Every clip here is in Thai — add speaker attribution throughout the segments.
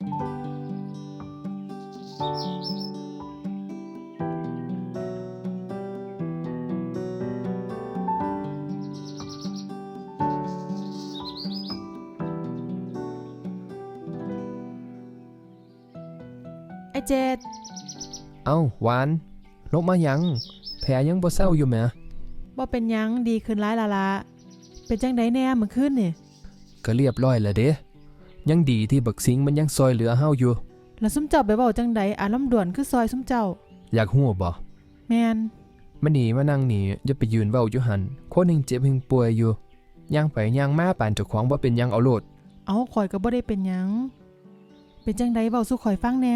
Speaker 1: ไอ้เจ็ด
Speaker 2: เอ้าหวานลงมายังแผลยังบ่เศร้าอยู่แหม
Speaker 1: บ่เป็นหยังดีขึ้นหลายละเป็นจังไดแน่เมื่อคืนนี่
Speaker 2: ก็เรียบร้อยแล้วเด้ยังดีที่บักสิงมันยังซอยเหลือเฮาอยู่
Speaker 1: แล้วซุมเจ้าไปเว้าจังไดอารมณ์ด่วนคือซอยซุมเจ้า
Speaker 2: อยากฮู้บ่
Speaker 1: แม่น
Speaker 2: มาหนีมานั่งนี่อย่าไปยืนเว้าอยู่หั่นคนหนึงเจ็บหนึงป่วยอยู่ย่างไปย่างมาปานเจ้าของบ่เป็นหยังเอาโลด
Speaker 1: เอาข่อยก็บ่ได้เป็นหยังเป็นจังไดเว้าสู่ข่อยฟังแน่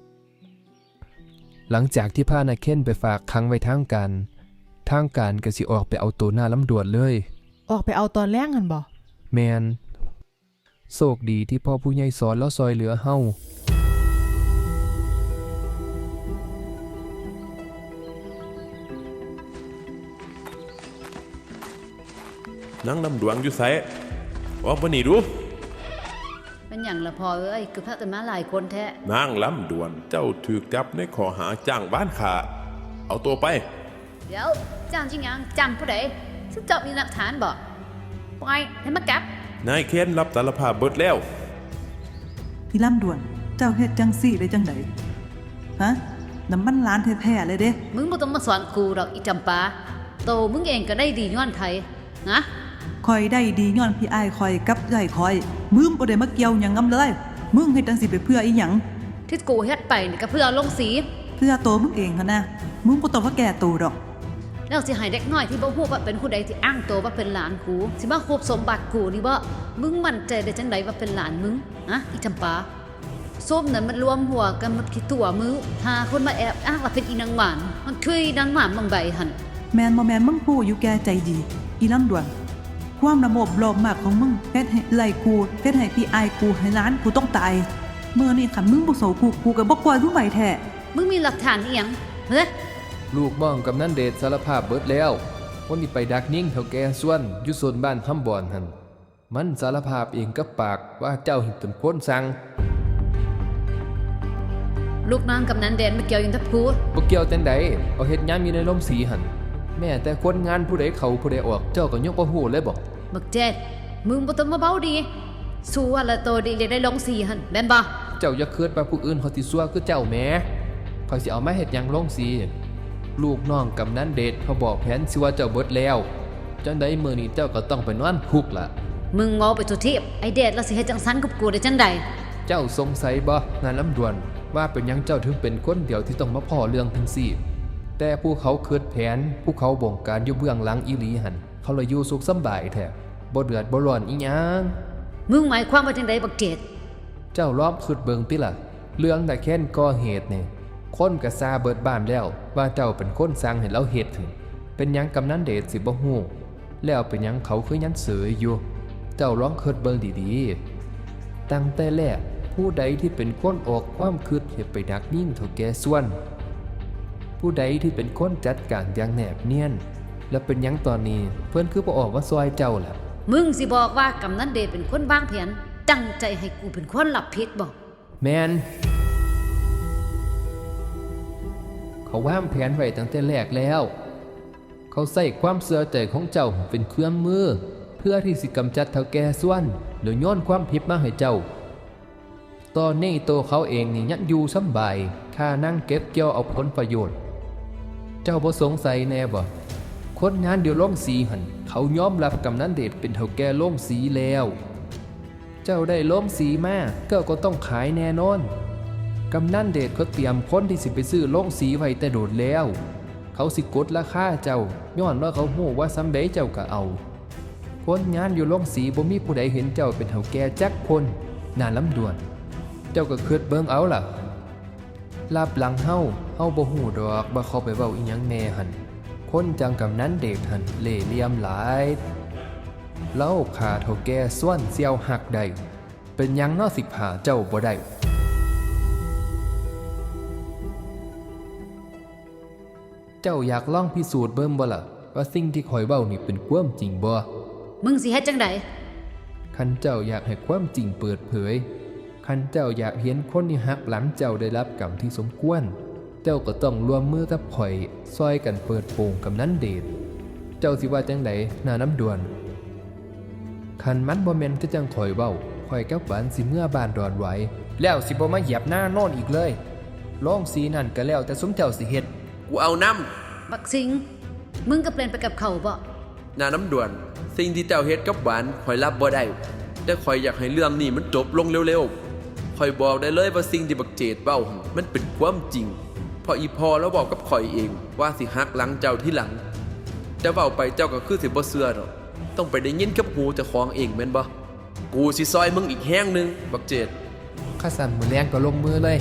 Speaker 2: หลังจากที่พานาเค้นไปฝากขังไว้ทางการก็สิออกไปเอาตัวหน้าลำดวนเลย
Speaker 1: ออกไปเอาตอนแรงหั่นบ่
Speaker 2: แม่นโชคดีที่พ่อผู้ใหญ่สอนแล้วซอยเหลือเฮา
Speaker 3: นั่งลำดวงอยู่ไสว่าบ่นี่ดู
Speaker 4: เป็นอย่างละพอเอ้ยคือพระกันมาหลายคนแท้
Speaker 3: นางลำดวนเจ้าถูกจับในข้อหาจ้างบ้านขาเอาตัวไป
Speaker 4: เดี๋ยวจ้างจริงยังจำผู้ใดซึ่งเจ้ามีหลักฐานบอกปล่อยให้มาจับ
Speaker 3: นายเค้นรับสารภาพเบิดแล้ว
Speaker 5: พี่ลำดวนเจ้าเฮ็ดจังซี่ได้จังไดฮะน้ำมันล้านแท้ๆเลยเด้
Speaker 4: มึงบ่ต้องมาสอนกูดอกอีจำปาโตมึงเองก็ได้ดีย้อนไทยนะ
Speaker 5: คอยได้ดีย้อนพี่อ้ายคอยกับใหญ่คอยมึงบ่ได้มาเกี่ยวหยังงำเลยมึงเฮ็ดจังซี่ไปเพื่ออีหยัง
Speaker 4: ที่กูเฮ็ดไปนี่ก็เพื่อลงสี
Speaker 5: เพื่อโตมึงเองหั่นนะมึงบ่ต้องมาแก้ตัวดอก
Speaker 4: แล้วสิให้เด็กน้อยที่บ่ฮู้ว่าเป็นผู้ใดที่อ้างตัวว่าเป็นหลานกูสิมาควบสมบัติกูนี่บ่มึงมั่นใจได้จังไดว่าเป็นหลานมึงอะอีจำปาส้มนั้นมันรวมหัวกันหมดกี่ตัวมึงหาคนมาแอบอ้างว่าเป็นอีนางหวานมันคือนางหวานบางใบหั่น
Speaker 5: แม่นบ่แม่นมึงฮู้อยู่แก่ใจดีอีลำดวนความระบบรอบมากของมึงเฮ็ดให้ไล่กูเฮ็ดให้พี่อายกูให้ร้านกูต้องตายเมื่อนี่คันมึงบ่โสกูก็บ่ปล่อยมึงไว้แท้
Speaker 4: มึงมีหลักฐานอีหยังเฮ้ย
Speaker 2: ลูกบ้องกำนันเดชสารภาพเบิดแล้ววันนี้ไปดักนิ่งเฒ่าแก่ส่วนอยู่โซนบ้านคำบอนหั่นมันสารภาพเองกับปากว่าเจ้าเฮ็ดเป็นคนสั่ง
Speaker 4: ลูกนางกำนันเดชไม่เกี่ยวยังทับกู
Speaker 2: บ่เกี่ยวจังไดเอาเฮ็ดยามอยู่ในลมสีหั่นแม่แต่คนงานผู้ใดเข้าผู้ใดออกเจ้าก็ยกบ่ฮู้เลยบ่
Speaker 4: บักเจ็ดมึงบ่ต้องมาเบ้าดีสู้ว่าละโตดีได้ลงสีหั่นแม่นบ่
Speaker 2: เจ้าอย่าคิดว่าผู้อื่นเขาสิซัวคือเจ้าแหมเขาสิเอามาเฮ็ดหยังลงสีลูกน้องกำนันเดชเขาบอกแผนสิว่าเจ้าเบิดแล้วจังได๋มื้อนี้เจ้าก็ต้องไปนอนคุกล่ะ
Speaker 4: มึงเมาไปทุทีไอเดชแล้วสิเฮ็ดจังซั่นกับกูได้จังได๋
Speaker 2: เจ้าสงสัยบ่นายลำดวนว่าเป็นหยังเจ้าถึงเป็นคนเดียวที่ต้องมาพ้อเรื่องจังซี่แต่ผู้เขาคิดแผนผู้เขาบงการอยู่เบื้องหลังอีหลีหั่นเขาเลยอยู่สุขสำบายแท้บ่เดือดบ่ร้อนอีหยัง
Speaker 4: มึงหมายความว่าจังได๋บักเจ็ด
Speaker 2: เจ้าล้อมคิดเบิ่งติล่ะเรื่องแต่แค้นก่อเหตุนี่คนก็ซาเบิดบ้านแล้วว่าเจ้าเป็นคนสั่งให้เราเฮ็ดถึงเป็นหยังกำนันเดชสิบ่ฮู้แล้วเป็นหยังเขาคือยันเสยอยู่เจ้าลองคิดเบิ่งดีๆตั้งแต่แรกผู้ใดที่เป็นคนออกความคิดให้ไปดักยิงเฒ่าแก่ส่วนผู้ใดที่เป็นคนจัดการอย่างแนบเนียนและเป็นหยังตอนนี้เพิ่นคือบ่ออกมาซอยเจ้าล่ะ
Speaker 4: มึงสิบอกว่ากำนันเดชเป็นคนวางแผนตั้งใจให้กูเป็นคนรับผิดบ่
Speaker 2: แม่นเขาวางแผนไว้ตั้งแต่แรกแล้วเขาใส่ความเชื่อใจของเจ้าเป็นเครื่องมือเพื่อที่สิกำจัดเฒ่าแก่ส่วนหรือโยนความผิดมาให้เจ้าตอนนี้ตัวเขาเองนี่ยังอยู่สำบายค่านั่งเก็บเกี่ยวเอาผลประโยชน์เจ้าบ่สงสัยแน่บ่คนงานเดียวโรงสีหั่นเขายอมรับกำนันเดชเป็นเฒ่าแก่โรงสีแล้วเจ้าได้โรงสีมาก็ต้องขายแน่นอนกำนันเดชเขาเตรียมคนที่สิไปซื้อโรงสีไว้แต่โดดแล้วเขาสิกดราคาเจ้าย้อนว่าเขาฮู้ว่าซำใดเจ้าก็เอาคนงานอยู่โรงสีบ่มีผู้ใดเห็นเจ้าเป็นเฒ่าแก่จักคนน่าลำดวนเจ้าก็คิดเบิ่งเอาล่ะลาบหลังเฮาบ่ฮู้ดอกว่าเขาไปเว้าอีหยังแน่หั่นคนจังกำนันเดชหั่นเล่ห์เหลี่ยมหลายเล่าขาเฒ่าแก่ส่วนเสี่ยวหักได้เป็นหยังเนาะสิพาเจ้าบ่ได้เจ้าอยากลองพิสูจน์เบิ่งบ่ล่ะว่าสิ่งที่ข้อยเว้านี่เป็นความจริงบ่
Speaker 4: มึงสิเฮ็ดจังได๋
Speaker 2: คันเจ้าอยากให้ความจริงเปิดเผยคันเจ้าอยากเห็นคนที่หักหลังเจ้าได้รับกรรมที่สมควรเจ้าก็ต้องร่วมมือกับข่อยซอยกันเปิดโปงกำนันเดชเจ้าสิว่าจังไดหน้าน้ำดวนคันมันบ่แม่นคือจังข่อยเว้าข่อยกับหวานสิเมื่อบ้านดอนไหวแล้วสิบ่มาเหยียบหน้าโน่นอีกเลยลองสีนั่นก็แล้วแต่สมเจ้าสิเฮ็ด
Speaker 6: กูเอาน้
Speaker 4: บักสิงมึงก็เปลี่ยนไปกับเขาบ่
Speaker 6: ำหน้าน้ำด่วน สิ่งที่เจ้าเฮ็ดกับหวานข่อยรับบ่ได้แต่ข่อยอยากให้เรื่องนี้มันจบลงเร็วๆข่อยบอกได้เลยว่าสิ่งที่บักเจดเว้ามันเป็นความจริงเพราะอีพอแล้วบอกกับข่อยเองว่าสิหักหลังเจ้าที่หลังแต่เว้าไปเจ้าก็คือสิบ่เชื่อดอกต้องไปได้ยินกับหูเจ้าของเองแม่นบ่กูสิซอยมึงอีกแห้งนึงบักเจด
Speaker 2: ข้าสั่นมือแรงก็ลงมือเลย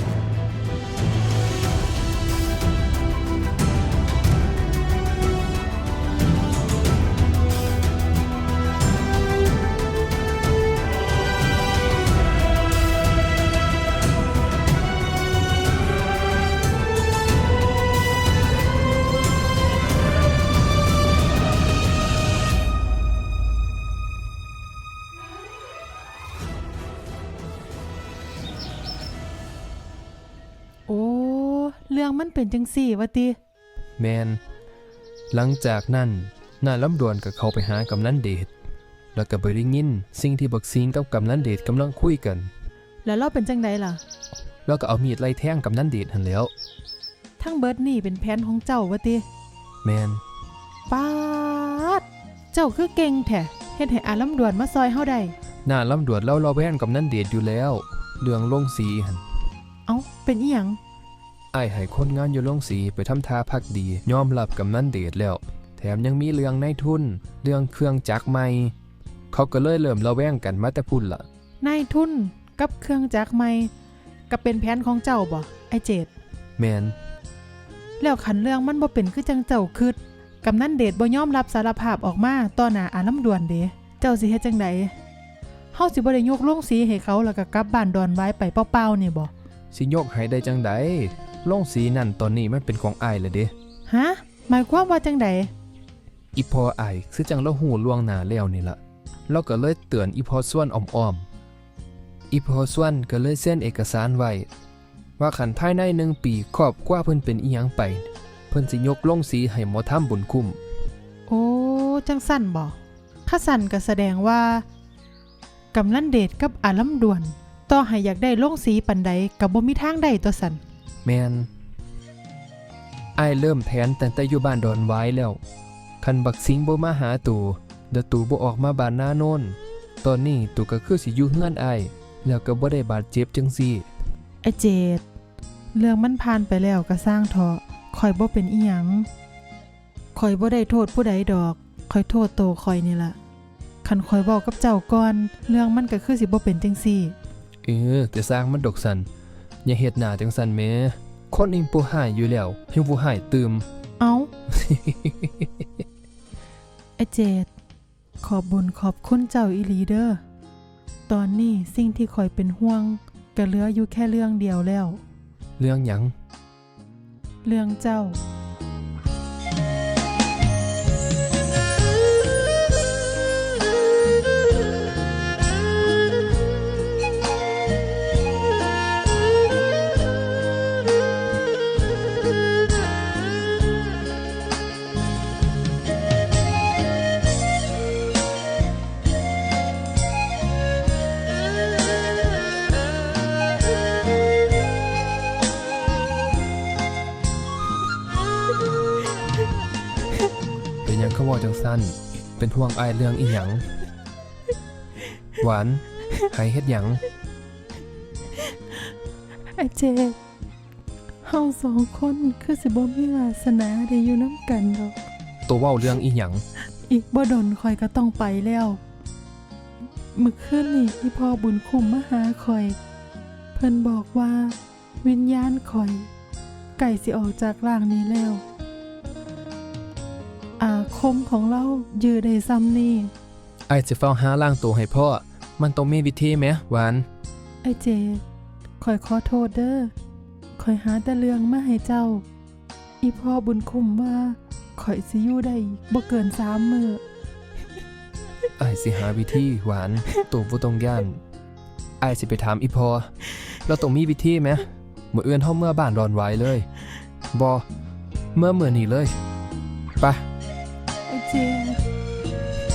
Speaker 1: โอ้เรื่องมันเป็นจังซี่วะติ
Speaker 2: แมนหลังจากนั้นหน้าลำดวนก็เข้าไปหากำนันเดชแล้วก็ไปได้ยินสิ่งที่บักซิงกับกำนันเดชกำลังคุยกัน
Speaker 1: แล้วเราเป็นจังไดล่ะ
Speaker 2: แล้วก็เอามีดไล่แทงกำนันเดชหันแหล้ว
Speaker 1: ทั้งเบิดนี่เป็นแผนของเจ้าวะติ
Speaker 2: แมน
Speaker 1: ป๊าดเจ้าคือเก่งแท้เฮ็ดให้อาลำดวนมาซอยเฮาได้
Speaker 2: หน้าลำดวนเล่าเราแว่นกำนันเดชอยู่แล้วเรื่องลงสีหัน
Speaker 1: เอ้าเป็นอีหยัง
Speaker 2: อ้ายให้คนงานอยู่ลงสีไปทำท่าพักดียอมรับกำนันเดชแล้วแถมยังมีเรื่องในทุนเรื่องเครื่องจักรใหม่เขาก็เลยเริ่มระแวงกันมาแต่พุ่นละ
Speaker 1: นายทุนกับเครื่องจักรใหม่ก็เป็นแผนของเจ้าบ่ไอเจด
Speaker 2: แมน
Speaker 1: แล้วคันเรื่องมันบ่เป็นคือจังเจ้าคิดกำนันเดชบ่ยอมรับสารภาพออกมาต่อหน้าอาลำดวนเด้เจ้าสิเฮ็ดจังไดเฮาสิบ่ได้ยกลงสีให้เขาแล้วก็กลับบ้านดอนไว้ไปเปล่าๆนี่บ่
Speaker 2: สิยกให้ได้จังใดลงสีนั่นตอนนี้มันเป็นของอ้ายเลยเด้
Speaker 1: ฮะหมายความว่าจังได
Speaker 2: อีพออ้ายคือจังเราหูล่วงหน้าแล้วนี่ล่ะเราก็เลยเตือนอีพอส่วนอ้อมๆอีพอส่วนก็เลยเซ็นเอกสารไว้ว่าคันภายใน1 ปีครอบครัวเพิ่นเป็นอีหยังไปเพิ่นสิยกลงสีให้หมอทำบุญคุ้ม
Speaker 1: โอ้จังสั่นบ่ถ้าสั่นก็แสดงว่ากำนันเดชกับอาลำดวนต่อให้อยากได้ลงสีปานใดก็บ่มีทางได้ตัวสั่น
Speaker 2: แมนอ้ายเริ่มแผนตั้งแต่อยู่บ้านดอนไว้แล้วคันบักสิงบ่มาหาตู่เดี๋ยวตู่บ่ออกมาบ้านหน้าโน่นตอนนี้ตู่ก็คือสิอยู่เฮือนอ้ายแล้วก็บ่ได้บาดเจ็บจังซี่
Speaker 1: ไอเจดเรื่องมันผ่านไปแล้วก็สร้างเถาะข่อยบ่เป็นอีหยังข่อยบ่ได้โทษผู้ใดดอกข่อยโทษโตข่อยนี่ล่ะคันข่อยเว้ากับเจ้าก่อนเรื่องมันก็คือสิบ่เป็นจังซี่
Speaker 2: แต่สร้างมันดอกสันอย่าเฮ็ดหน้าจังสันแหมคนอิงผู้หายอยู่แล้วให้ผู้หายตื่ม
Speaker 1: เอ้า ไอเจดขอบบุญขอบคุณเจ้าอีหลีเด้อตอนนี้สิ่งที่ข่อยเป็นห่วงก็เหลืออยู่แค่เรื่องเดียวแล้ว
Speaker 2: เรื่องหยัง
Speaker 1: เรื่องเจ้า
Speaker 2: เป็นหยังเขาบอกจังสันเป็นห่วงอ้ายเรื่องอีหยังหวานหายเฮ็ดหยัง
Speaker 1: ไอเจดเฮาสองคนคือสิบ่มีวาสนาได้อยู่น้ำกันดอก
Speaker 2: ตัวเว้าเรื่องอีหยัง
Speaker 1: อีกบ่ดนข่อยก็ต้องไปแล้วมื้อคืนนี้ที่พ่อบุญคุ้มมาหาข่อย เพิ่นบอกว่าวิญญาณข่อยไก่สิออกจากร่างนี้แล้ว อาคมของเรายือได้ซ้ำนี่
Speaker 2: อ้ายสิเฝ้าหาล่างตัวให้พ่อมันต้องมีวิธีแหมหวาน
Speaker 1: ไอเจข่อยขอโทษเด้อข่อยหาแต่เรื่องมาให้เจ้า อีพ่อบุญคุ้มว่าข่อยสิอยู่ได้บ่เกิน3 มื้อ
Speaker 2: อ้ายสิหาวิธีหวานตัวบ่ต้องย่านอ้ายสิไปถามอีพอเราต้องมีวิธีไหมมื้ออื่นเฮาเมื่อบ้านดอนไหวเลยบ่เมื่อนี้เลยไป
Speaker 1: ไอ้เจ็ด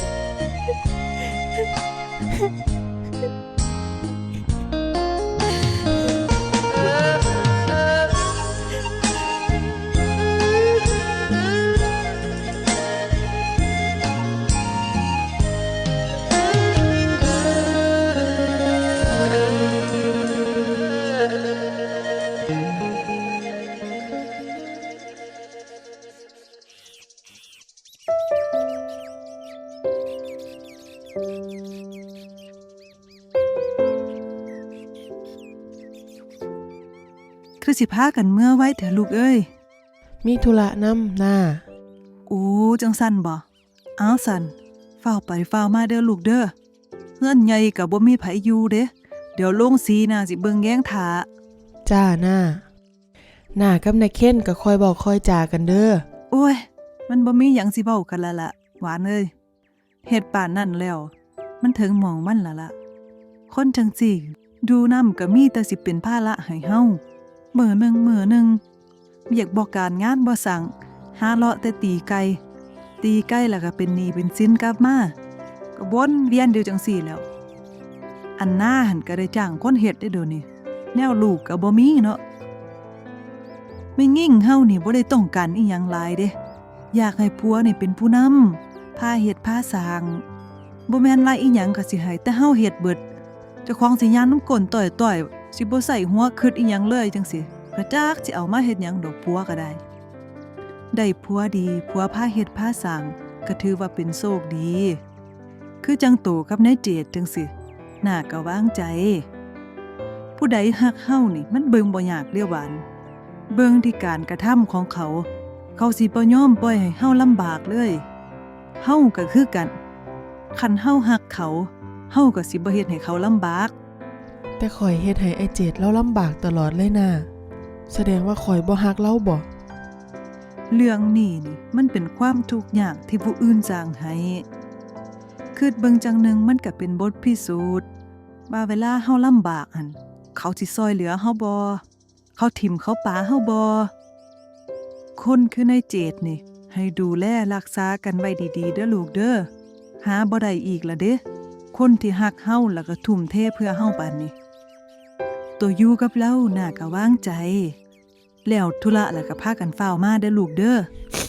Speaker 5: คือสิพากันเมื่อไว้เถอะลูกเอ้ย
Speaker 1: มีธุระนำหน้า
Speaker 5: โอ้จังสั่นบ่อ้าวสั่นเฝ้าวไปเฝ้าวมาเด้อลูกเด้อเฮือนใหญ่ก็บ่มีไผอยู่เด้เดี๋ยวลงสีน่ะสิเบิ่งแย้งท่า
Speaker 1: จ้าหน้ากับนายเค้นก็คอยบอกคอยจากันเด้อ
Speaker 5: โอ้ย มันบ่มีหยังสิเว้ากันและล่ะหวานเอ้ยเฮ็ดป่านนั่นแล้ว มันถึงหม่องมันและล่ะ คนจังซี่ดูนำก็มีแต่สิเป็นภาระให้เฮามื้อหนึงเวียกบ่การงานบ่สั่งหาเลาะแต่ตีไก่แล้วก็เป็นหนี้เป็นสินกลับมาก็วนเวียนเดียวจังซี่แหล้ว อันหน้าหันก็ได้จ้างคนเฮ็ดได้เดี๋ยวนี้แนวลูกก็บ่มีเนาะไม่งิ่งเฮานี่บ่ได้ต้องการอีหยังหลายเด้อยากให้ผัวนี่เป็นผู้นำพาเฮ็ดพาสร้างบ่แม่นหลายอีหยังก็สิให้แต่เฮาเฮ็ดเบิดเจ้าของสิย่านน้ำก้นต่อยๆสิบ่ใส่หัวคิดอีหยังเลยจังซี่กระจักสิเอามาเฮ็ดหยังดอกผัวก็ได้ผัวดีผัวพาเฮ็ดพาสร้างก็ถือว่าเป็นโชคดี คือจังโตกับนายเจดจังสิหน้าก็วางใจ ผู้ใดฮักเฮานี่มันเบิ่งบ่ยากเด้อหวานเบิ่งที่การกระทำของเขา เขาสิบ่ยอมปล่อยให้เฮาลำบากเลยเฮาก็คือกันคันเฮาฮักเขาเฮาก็สิบ่เฮ็ดให้เขาลำบาก
Speaker 1: แต่ข่อยเฮ็ดให้ไอ้เจ็ดเราลำบากตลอดเลยนะแสดงว่าข่อยบ่ฮักเราบ่
Speaker 5: เรื่องนี้นี่มันเป็นความทุกข์ยากที่ผู้อื่นสร้างให้คิดเบิ่งจังหนึงมันก็เป็นบทพิสูจน์ว่าเวลาเฮาลำบากหั่นเขาสิซอยเหลือเฮาบ่เขาถิ่มเขาปาเฮาบ่คนคือนายเจดนี่ให้ดูแลรักษากันไว้ดีๆเด้อลูกเด้อหาบ่ได้อีกละเด้คนที่ฮักเฮาแล้วก็ทุ่มเทเพื่อเฮาปานนี้ตัวอยู่กับเราน่าก็วางใจแล้วธุระแล้วก็พากันฟ้าวมาเด้อลูกเด้อ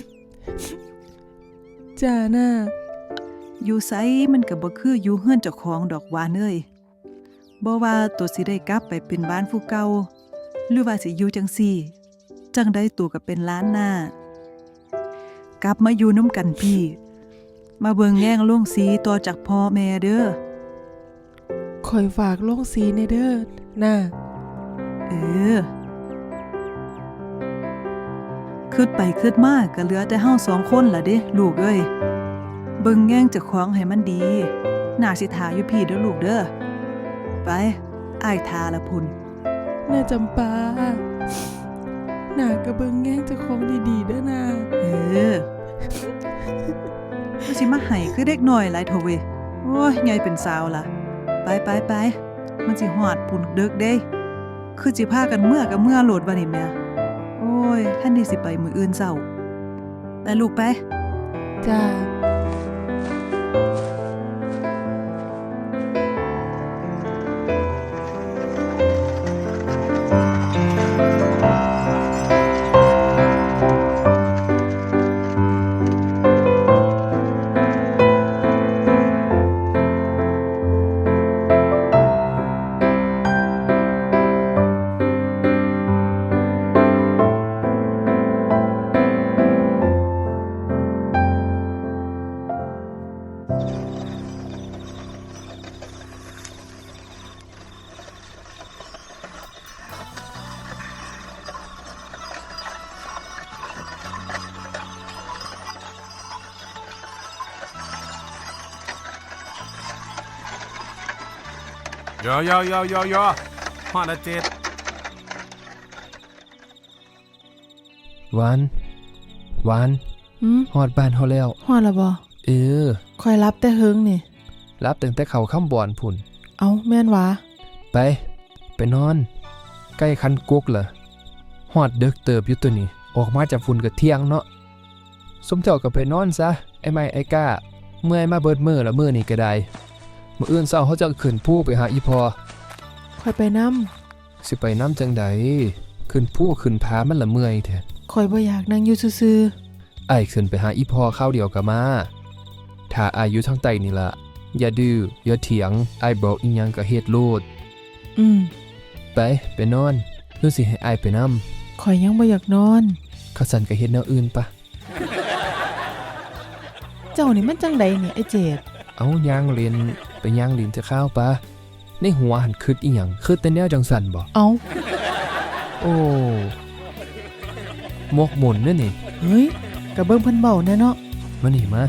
Speaker 1: จ้าหน้า
Speaker 5: อยู่ไสมันก็บ่คืออยู่เฮือนเจ้าของดอกหวานเอ้ยบ่ว่าตัวสิได้กลับไปเป็นบ้านผู้เก่าหรือว่าสิอยู่จังซี่จังได้ตัวก็เป็นล้านหน้ากลับมาอยู่น้ำกันพี่มาเบิ่งแย่งลงสีต่อจากพ่อแม่เด้อ
Speaker 1: ข่อยฝากลงสีในเด้อหน้า
Speaker 5: เออคิดไปคิดมาก็เหลือแต่เฮา2คนล่ะเด้ลูกเอ้ยเบิ่งแย่งเจ้าของให้มันดีน่าสิท่าอยู่พี่เด้อลูกเด้อไปอ้ายท่าละพุ่น
Speaker 1: หน้าจำปาหน้าก็เบิ่งแง่งเจ้าของดีๆเด้อหน้า
Speaker 5: เออก็สิมาให้คือเด็กน้อยหลายโทเวยโอ้ยใหญ่เป็นสาวล่ะไปมันสิฮอดพุ่นดึกเด้คือสิพากันเมื่อกับเมื่อโหลดบ่นี่แม่โอ้ยท่านที่สิไปมื้ออื่นเช้าไปลูกไป
Speaker 1: จ้า
Speaker 3: ยฮอดละเจ็ด
Speaker 2: หวานฮอดบ้านเฮาแล้ว
Speaker 1: ฮอดละบ่
Speaker 2: เออ
Speaker 1: ข่อยรับแต่เฮิงนี่
Speaker 2: รับตั้งแต่เขาค่ำบ่อนพุ่น
Speaker 1: เอาแม่นวะ
Speaker 2: ไปนอนใกล้คันกกล่ะฮอดดึกเติบอยู่ตัวนี้ออกมาจากฝุ่นก็เที่ยงเนาะสมเจ้าก็ไปนอนซะไอ้ไม้ไอ้ก้าเมื่อยมาเบิดมื้อละมื้อนี้ก็ได้มื้ออื่นเช้าเขาจะขึ้นภูไปหาอีพอ
Speaker 1: ข่อยไปนำ
Speaker 2: สิไปน้ำจังใดขึ้นภูขึ้นผามันละเมื่อยแท้
Speaker 1: ข่อยบ่อยากนั่งอยู่ซื่อ
Speaker 2: อ้ายขึ้นไปหาอีพอข้าวเดียวก็มาถ้าอ้ายอยู่ทางใต้นี่ล่ะอย่าดื้ออย่าเถียงอ้ายบอกอีหยังก็เฮ็ดโลด
Speaker 1: ๆ
Speaker 2: ไปนอนหรือสิให้อ้ายไปนำ
Speaker 1: ข่อยยังบ่อยากนอน
Speaker 2: ข้าสั่นก็เฮ็ดแนวอื่นปะ
Speaker 1: เจ้านี่มันจังใดเนี่ยไอ้เจด
Speaker 2: เอาย่างเรียนไปย่างเรียนจะข้าวปะในหัวหันคิดอีหยังคิดแต่แนวจังสั่นบ่
Speaker 1: เอา
Speaker 2: โอ้หมกหมุนเด้อนี่
Speaker 1: เฮ้ยก็เบิ่งเพิ่นเว้าแน่เนาะ
Speaker 2: มานี่มา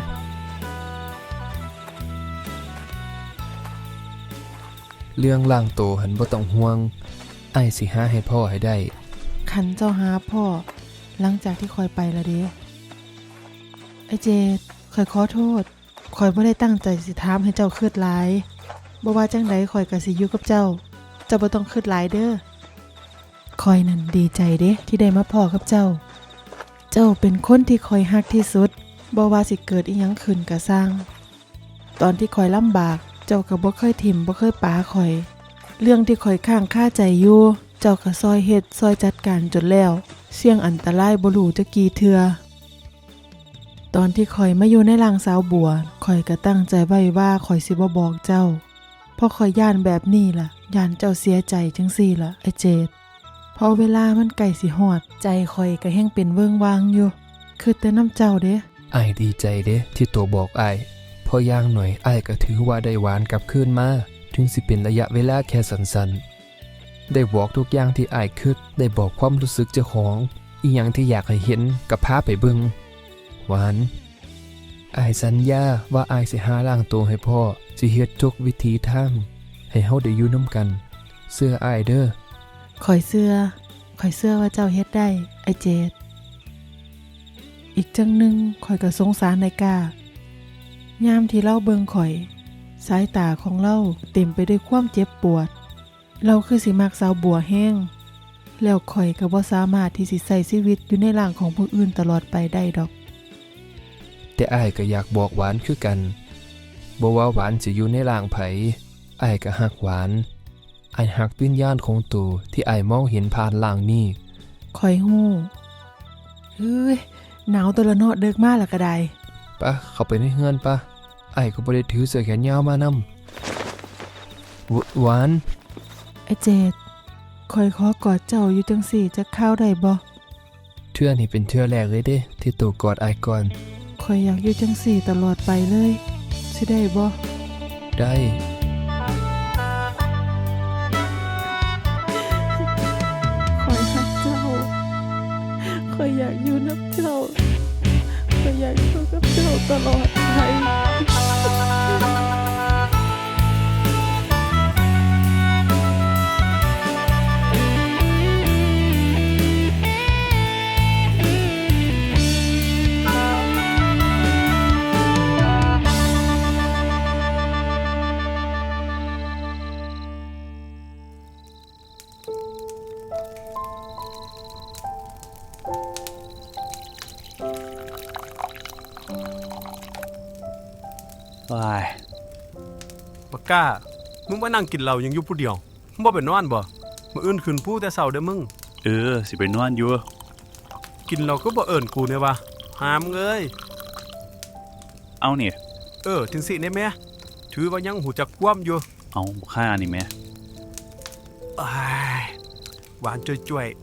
Speaker 2: เรื่องล่างโตหันบ่ต้องห่วงอ้ายสิหาให้พ่อให้ได้
Speaker 1: คันเจ้าหาพ่อหลังจากที่ข่อยไปละเด้ไอ้เจดข่อยขอโทษข่อยบ่ได้ตั้งใจสิถามให้เจ้าคิดหลายบ่ว่าจังใดข่อยก็สิอยู่กับเจ้าบ่ต้องคิดหลายเด้อข่อยนั่นดีใจเด้ที่ได้มาพ้อกับเจ้า เจ้าเป็นคนที่ข่อยฮักที่สุดบ่ว่าสิเกิดอีหยังขึ้นก็สร้าง ตอนที่ข่อยลำบากเจ้าก็บ่เคยถิ่มบ่เคยปาข่อย เรื่องที่ข่อยข้างคาใจอยู่เจ้าก็ซอยเฮ็ดซอยจัดการจนแล้วเสี่ยงอันตรายบ่รู้จะกี่เทื่อตอนที่ข่อยมาอยู่ในร่างสาวบัวข่อยก็ตั้งใจไว้ว่าข่อยสิบ่บอกเจ้าเพราะข่อยย่านแบบนี้ล่ะย่านเจ้าเสียใจจังซี่ล่ะไอ้เจดพอเวลามันใกล้สิฮอดใจข่อยก็แฮงเป็นเวิงวางอยู่คือแต่น้ำเจ้าเด้
Speaker 2: อ้ายดีใจเด้ที่ตัวบอกอ้ายพอย่างหน่อยอ้ายก็ถือว่าได้หวานกลับคืนมาถึงสิเป็นระยะเวลาแค่สั้นๆได้บอกทุกอย่างที่อ้ายคิดได้บอกความรู้สึกเจ้าของอีหยังที่อยากให้เห็นก็พาไปเบิ่งหวานอ้ายสัญญาว่าอ้ายสิหาร่างตัวให้พ่อสิเฮ็ดทุกวิธีทางให้เฮาได้อยู่นำกันเสื้ออ้ายเด้อ
Speaker 1: ข่อยเชื่อว่าเจ้าเฮ็ดได้ไอ้เจดอีกจังหนึงข่อยก็สงสารนายกายามที่เล่าเบิงข่อยสายตาของเล่าเต็มไปด้วยความเจ็บปวดเราคือสิมักสาวบัวแห้งแล้วข่อยก็บ่สามารถที่สิใช้ชีวิตอยู่ในร่างของผู้อื่นตลอดไปได้ดอก
Speaker 2: แต่อ้ายก็อยากบอกหวานคือกันบ่ว่าหวานสิอยู่ในร่างไผอ้ายก็ฮักหวานอ้ายฮักวิญญาณของตัวที่อ้ายมองเห็นผ่านร่างนี้
Speaker 1: ข่อยฮู้เฮ้ยหนาวตัวละเนาะเดึกมาแล้วก็ได้
Speaker 2: ปะเข้าไปในเฮือนปะอ้ายก็บ่ได้ถือเสื้อแขนยาวมานำหวาน
Speaker 1: ไอ้เจดข่อยขอกอดเจ้าอยู่จังสี่จะเข้าได้บ่
Speaker 2: เทื่อนี่เป็นเทื่อแรกเลยเด้ที่ตัวกอดอ้ายก่อน
Speaker 1: ข่อยอยากอยู่จังสี่ตลอดไปเลยสิได้บ่
Speaker 2: ได้
Speaker 1: ข่อยรักเจ้าข่อยอยากอยู่นับเจ้าข่อยอยากอยู่กับเจ้าตลอดไป
Speaker 7: ว้าย
Speaker 8: บักก้า มึงมานั่งกินเหล้ายังอยู่ผู้เดียวมึงบ่ไปนอนบ่มื้ออื่นขึ้นผู้แต่เช้าเด้อมึง
Speaker 7: สิไปนอนอยู่
Speaker 8: กินเหล้าก็บ่เอิ้นกูเนี่ยวะหามึงเอ้ย
Speaker 7: เอานี่
Speaker 8: จังสิได้แม่ถือว่ายังหูจักความอยู่
Speaker 7: เอาค่านี่แม่
Speaker 8: อ้ายหวานจ้วย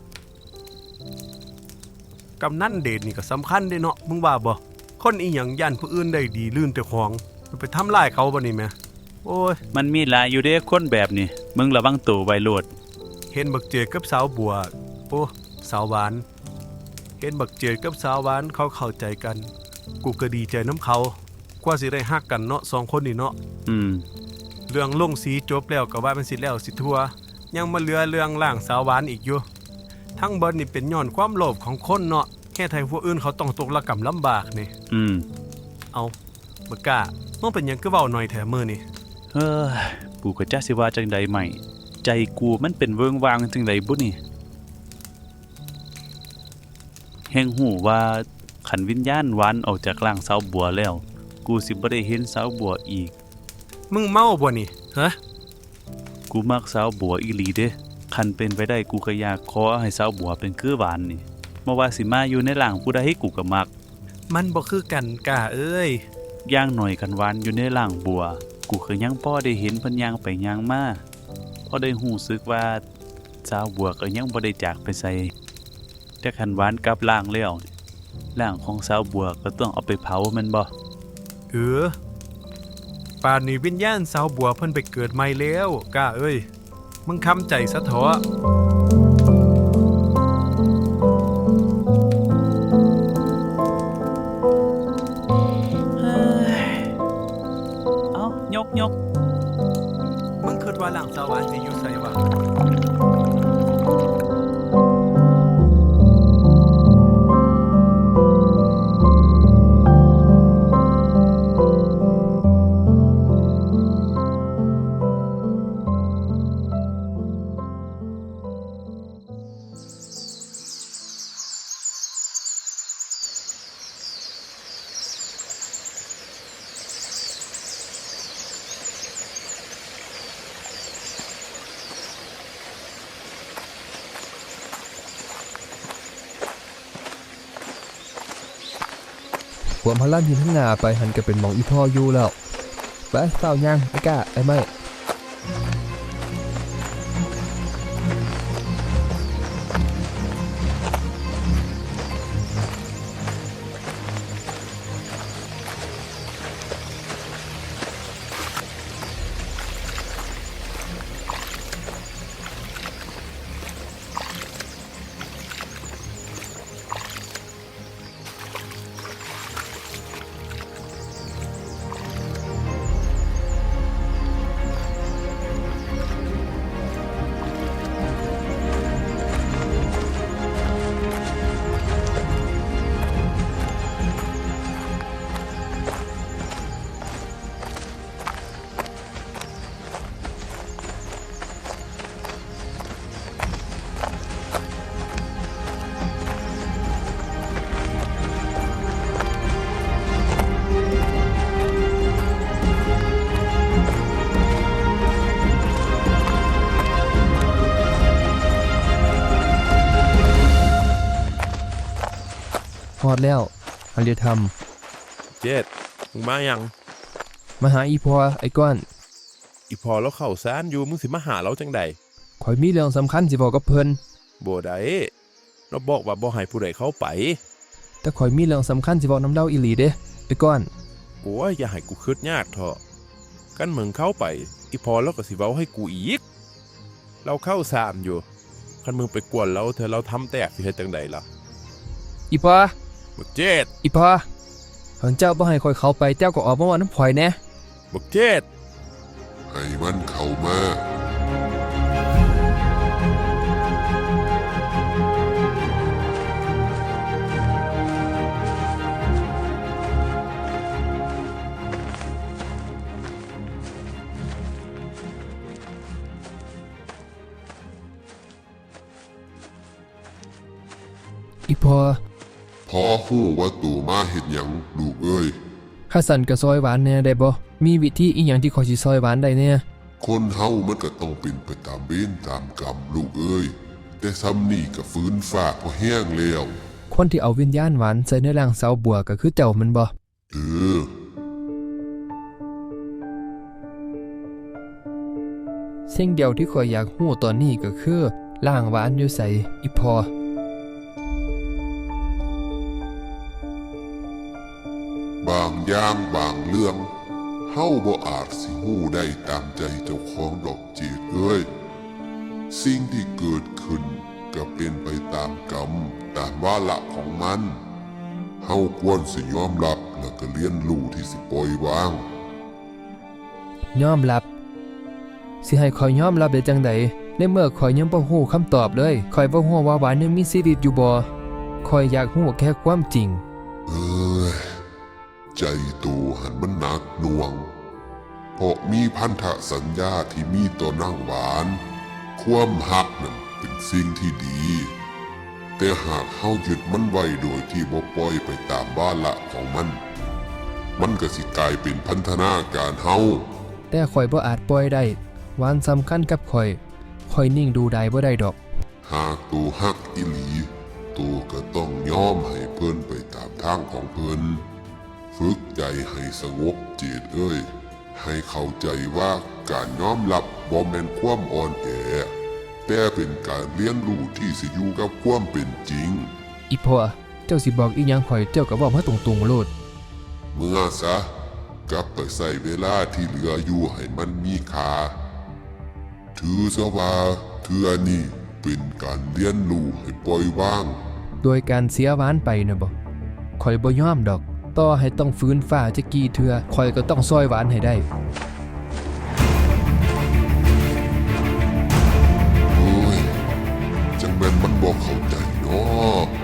Speaker 8: ๆกำนันเดชนี่ก็สำคัญเด้เนาะมึงว่าบ่คนอีหยังย่านผู้อื่นได้ดีลื่นแต่ของไปทำลายเขาบ่นี่แม่โอ้ย
Speaker 7: มันมีหลายอยู่เด้คนแบบนี้มึงระวังตัวไว้โลด
Speaker 8: เห็นบักเจิดกับสาวบัวโอ้สาวหวาน เห็นบักเจิดกับสาวหวานเขาเข้าใจกัน กูก็ดีใจน้ำเขากว่าสิได้ฮักกันเนาะสองคนนี่เนาะ เรื่องลงสีจบแล้วก็ว่ามันสิแล้วสิทั่วยังมาเหลือเรื่องล่างสาวหวานอีกอยู่ทั้งเบิดนี่เป็นย้อนความโลภของคนเนาะแค่ไทยผู้อื่นเขาต้องตกระกำลำบากนี่เอาบักกล้ามึงเป็นหยังคือเว้าหน่อยแถมื้อนี่
Speaker 7: เฮ้ยกูก็จักสิว่าจังใดใหม่ใจกูมันเป็นเวิงวางจังไดบุนี่แห่งหูว่าขันวิญญาณหวานออกจากร่างสาวบัวแล้วกูสิบ่ได้เห็นสาวบัวอีก
Speaker 8: มึงเมาบ่นี่ฮะ
Speaker 7: กูมักสาวบัวอีหลีเด้คันเป็นไปได้กูก็อยากขอให้สาวบัวเป็นคือหวานนี่บ่ว่าสิมาอยู่ในร่างผู้ใดกูก็มัก
Speaker 8: มันบ่คือกันกะเอ้ย
Speaker 7: อย่างหน่อยกันหวานอยู่ในร่างบัวกูก็ยังพอได้เห็นเพิ่นย่างไปย่างมาพอได้หูสึกว่าสาวบัวก็ยังบ่ได้จากไปไสแต่คันหวานกลับร่างแล้วนี่ร่างของสาวบัวก็ต้องเอาไปเผาแม่นบ่
Speaker 8: ป่านนี้วิญญาณสาวบัวเพิ่นไปเกิดใหม่แล้วกะเอ้ยมึงคำใจซะเถอะ
Speaker 7: เอายก
Speaker 8: มึงคิดว่าหลังสวรรค์สิอยู่ไสวะ
Speaker 2: ความพลันที่ทั้งหน้าไปหันก็เป็นหมองอีพ่ออยู่แล้วไปเฝ้าย่างไอ้ก้าไอ้ไม้ฮอดแล้วอารยธรรม
Speaker 3: เจ็ดมึงมายัง
Speaker 2: มาหาอีพ่อไอ้ก้อน
Speaker 3: อีพอแล้วเข้าซานอยู่มึงสิมาหาเราจังใด
Speaker 2: ข่อยมีเรื่องสำคัญสิบอกกับเพิ่น
Speaker 3: บ่ได้เราบอกว่าบ่ให้ผู้ใดเข้าไป
Speaker 2: แต่ข่อยมีเรื่องสำคัญสิบอกน้ำเด้าอีหลีเด้ไอ้ก้อน
Speaker 3: โอ้ยอย่าให้กูคิดยากเถอะกันมึงเข้าไปอีพอแล้วก็สิเว้าให้กูอีกเราเข้าซานอยู่คันมึงไปกวนเราเธอเราทำแตกสิเฮ็ดจังใดล่ะ
Speaker 2: อีพ่อ
Speaker 3: บักเจ็ด
Speaker 2: อีพ่อเพิ่นเจ้าบ่ให้ข่อยเข้าไปเจ้าก็ออกมาว่าน้ำข่อยแหน่
Speaker 3: บักเจ็ด
Speaker 9: ให้มันเข้ามา
Speaker 2: อีพ่อ
Speaker 9: พอฮู้ว่าตู่มาเฮ็ดหยังลูกเอ้ย
Speaker 2: ข้าสั่นก็ซอยหวานแหน่ได้บ่มีวิธีอีหยังที่ข่อยสิซอยหวานได้แหน่
Speaker 9: คนเฮามันก็ต้องเป็นไปตามเวรตามกรรมลูกเอ้ย แต่ซ้ำนี่ก็ฟื้นฟ้าพอแห้งแล้ว
Speaker 2: คนที่เอาวิญญาณหวานใส่ในร่างสาวบัวก็คือเจ้ามันบ่
Speaker 9: เออ
Speaker 2: สิ่งเดียวที่ข่อยอยากฮู้ตอนนี้ก็คือร่างหวานอยู่ไสอีพ่อบ
Speaker 9: างอย่างบางเรื่องเฮาบ่อาจสิฮู้ได้ตามใจเจ้าของดอกเจีดเอ้ยสิ่งที่เกิดขึ้นก็เป็นไปตามกรรมตามวาระของมันเฮาควรสิยอมรับแล้วก็เรียนรู้ที่สิปล่อยวาง
Speaker 2: ยอมรับสิให้ข่อยยอมรับได้จังไดในเมื่อข่อยยังบ่ฮู้คำตอบเลยข่อยบ่ฮู้ว่าหวานยังมีชีวิตอยู่บ่ข่อยอยากฮู้แค่ความจริง
Speaker 9: เอ้ยใจตัวหันมันหนักหน่วง เพราะมีพันธสัญญาที่มีต่อนางหวานความหักนั่นเป็นสิ่งที่ดี แต่หากเฮายึดมันไว้โดยที่บ่ปล่อยไปตามบ้าละของมัน มันก็สิกลายเป็นพันธนาการเฮา
Speaker 2: แต่ข่อยบ่อาจปล่อยได้หวานสำคัญกับข่อยนิ่งดูได้บ่ได้ดอก
Speaker 9: หากตัวฮักอีหลีตัวก็ต้องยอมให้เพิ่นไปตามทางของเพิ่นฝึกใจให้สงบเจตเอ้ย ให้เข้าใจว่าการยอมรับบ่แม่นความอ่อนแอแต่เป็นการเรียนรู้ที่สิอยู่กับความเป็นจริง
Speaker 2: อีพ่อเจ้าสิบอกอีหยังข่อยเจ้าก็บอกมาตรงๆโลด
Speaker 9: เมื่อซะกลับไปใส่เวลาที่เหลืออยู่ให้มันมีค่าถือซะว่าเทื่อนี้เป็นการเรียนรู้ให้ปล่อยวาง
Speaker 2: โดยการเสียหวานไปนะบ่ข่อยบ่ยอมดอก ต่อให้ต้องฟื้นฟ้าจะกี่เทื่อข่อยก็ต้องซอยหวานให้ได้
Speaker 9: โอ้ยจังแม่นมันบอกเข้าใจเนาะ